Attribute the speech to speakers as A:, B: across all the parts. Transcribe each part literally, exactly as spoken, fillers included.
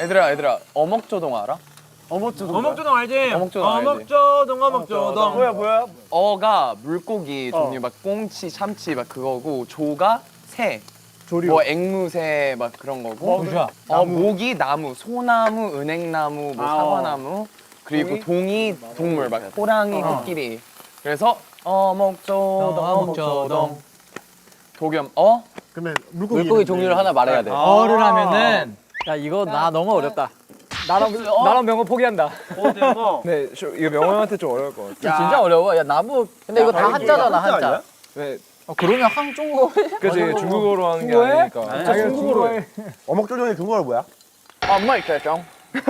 A: 얘들아 얘들아 어묵조동 알아?
B: 어묵조동 어묵조동 알지?
A: 어묵조동 알지?
B: 어묵조동 어묵조동
C: 뭐야 뭐야?
A: 어가 물고기 종류 막 꽁치, 참치 막 그거고 조가 새.
C: 조류.
A: 뭐 앵무새 막 그런 거고.
B: 뭐야?
A: 어 모기 나무, 소나무, 은행나무, 뭐
C: 아,
A: 사과나무 그리고 동이 동물 막 호랑이, 코끼리. 그래서 어묵조동 어묵조동. 도겸 어?
C: 그러면 물고기,
D: 물고기 종류를 하나 말해야 돼.
B: 어를 하면은 야 이거 나 너무 어렵다. 나랑 나랑 명호 포기한다.
E: 네, 저, 이거 명호 형한테 좀 어려울 것 같아.
D: 진짜 어려워. 야 나무. 근데 이거 다 한자잖아 한자.
E: 네,
D: 어, 그러면 한중국어.
E: 그치 중국어로 하는 게 아니니까.
C: 아, 중국어로 해. 어묵조정의 근거가 뭐야?
A: 엄마 있겠죠?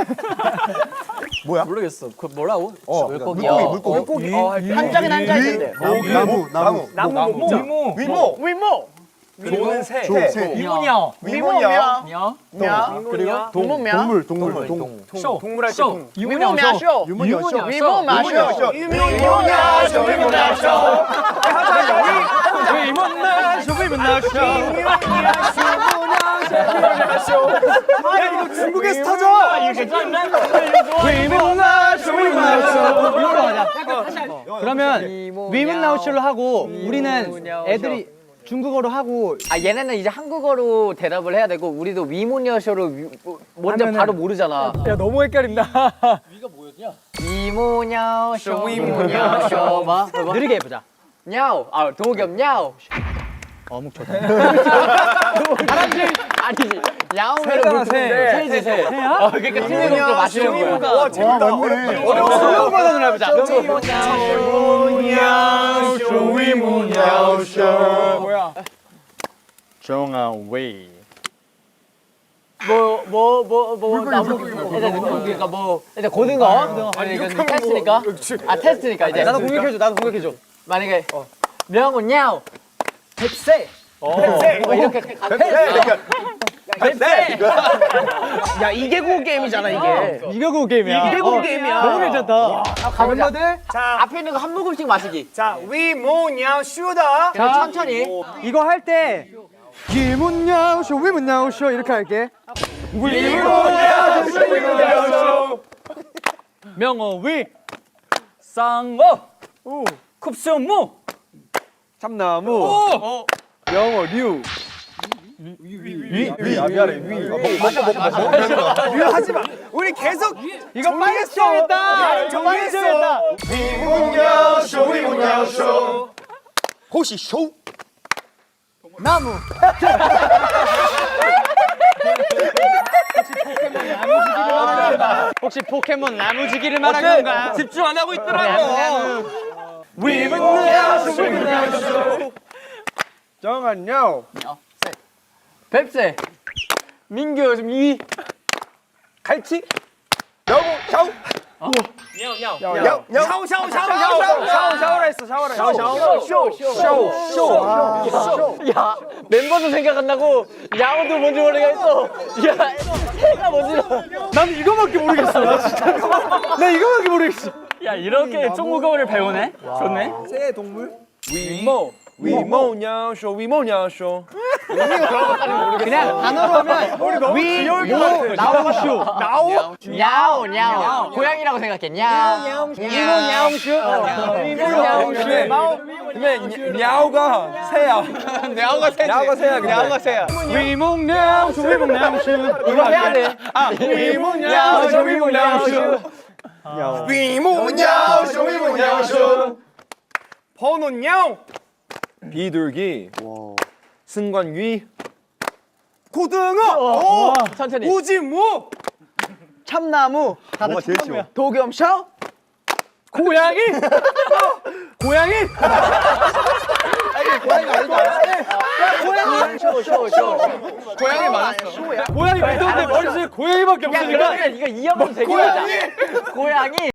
C: 뭐야?
D: 모르겠어. 그 뭐라고?
C: 어,
D: 물고기요.
C: 물고기, 물고기.
A: 어,
D: 한자긴 한자인데.
C: 나무, 나무, 나무,
B: 나무 위모
C: 위모,
B: 위모
E: 조는 새.
C: 조, 새,
B: 위모냐
C: 위모냐,
B: 냐
C: 동, 그리고 동, 동물, 동물, 동,
B: 쇼
C: 동물할 때
B: 쇼
C: 동.
B: 위모냐 쇼
C: 유모냐, 쇼.
B: 위모냐 쇼
C: 위모냐, 쇼, 위모냐, 쇼.
B: 위모냐 쇼 위모냐 쇼
C: 야, 이거 중국에서 터져.
B: 이거 괜찮네 위모냐 쇼 위모냐 쇼 위모로 가자 그러면 위문나우쇼로 하고 우리는 애들이 중국어로 하고
D: 아 얘네는 이제 한국어로 대답을 해야 되고 우리도 위모냐쇼로 위, 먼저
B: 하면은-
D: 바로 모르잖아.
B: 야 너무 헷갈린다
D: 위모냐쇼 위모냐쇼 봐. 느리게 해보자. 냐오. 아 도겸 냐오. 어묵초다. 사람들 아니지. 야오면은 물고기인데 새지 새. 새야? 어 그러니까 틀린 것도 맞추는 거야.
C: 와, 재밌다. 어려워.
D: 어려운 버전으로 해보자.
C: 위모냐, 쇼, 위모냐, 쇼.
B: 뭐야
D: 뭐뭐뭐뭐 나무 일단 그러니까 뭐 일단 고등어 아니 이건 테스트니까 아 테스트니까 이제
B: 나도 공격해줘 나도 공격해줘
D: 만약에 명훈 냐오 백세 백세 뭐 이렇게 가면
C: 네.
B: 야 이계고 게임이잖아 이게 이계고 게임이야
D: 이계고 게임이야.
B: 너무 괜찮다
D: 가면들 앞에 있는 거 한 모금씩 마시기
B: 자 위모냐 쇼다
D: 그리고 천천히
B: 이거 할 때 위문냐 쇼 위문냐 쇼 이렇게 할게
C: 위모냐, 쇼, 위모냐, 쇼.
B: 명어 위 쌍어 쿱스무
E: 참나무.
B: 영어 류
C: 위, 위, 아, 미안해, 위. 맞아, 맞아, 맞아. 위 하지 마. 우리 계속
B: 이거 빨리 써야겠다
C: 정리했어. 위모냐, 쇼, 위모냐, 쇼. 호시 쇼.
B: 나무 혹시 포켓몬 나무지기를 말한 건가? 집중 안 하고 있더라고.
C: 위모냐, 쇼, 위모냐, 쇼.
E: 정한요.
D: 뱁새 민규 지금 이
B: 갈치?
C: 여보, 샤오.
B: 야,
C: 야, 샤오, 샤오, 샤오, 샤오, 샤오, 샤오라 했어, 샤오라. 샤오, 샤오, 쇼, 쇼, 쇼.
D: 야 멤버도 생각 안 나고 야오도 뭔지 모르겠어. 야 새가 뭔지
B: 난 이거밖에 모르겠어. 나 진짜. 나 이거밖에 모르겠어.
D: 야 이렇게 중국어를 배우네. 좋네.
E: 새 동물? 위모. 위모냐 쇼 위모냐 쇼.
B: 그냥 단어로 하면 위, 모, 나우쇼. 나우?
D: 야오 야오 고양이라고 생각해. 야오
B: 이모 냐옹쇼. 이모 냐옹쇼.
E: 근데 야오가 새야.
D: 야오가 새지.
E: 야오가 새야. 근데.
D: 야오가 새야.
B: 위몽 냐옹쇼, 위몽 냐옹쇼.
D: 이거 해야 돼.
B: 아, 위몽 냐옹쇼, 위몽 냐옹쇼.
C: 위모냐, 쇼, 위모냐, 쇼.
B: 번호냥.
E: 비둘기. 승관위.
B: 고등어. 오,
D: 천천히.
B: 우지무. 참나무.
C: 뭐가 제일 쉬워?
D: 도겸쇼.
B: 고양이. 고양이.
D: 쇼쇼쇼.
A: 고양이 많았어.
B: 고양이 믿었는데 머릿속에 고양이밖에 없으니까.
D: 야 그러면 이거 이어가도 되겠다. 고양이. 고양이.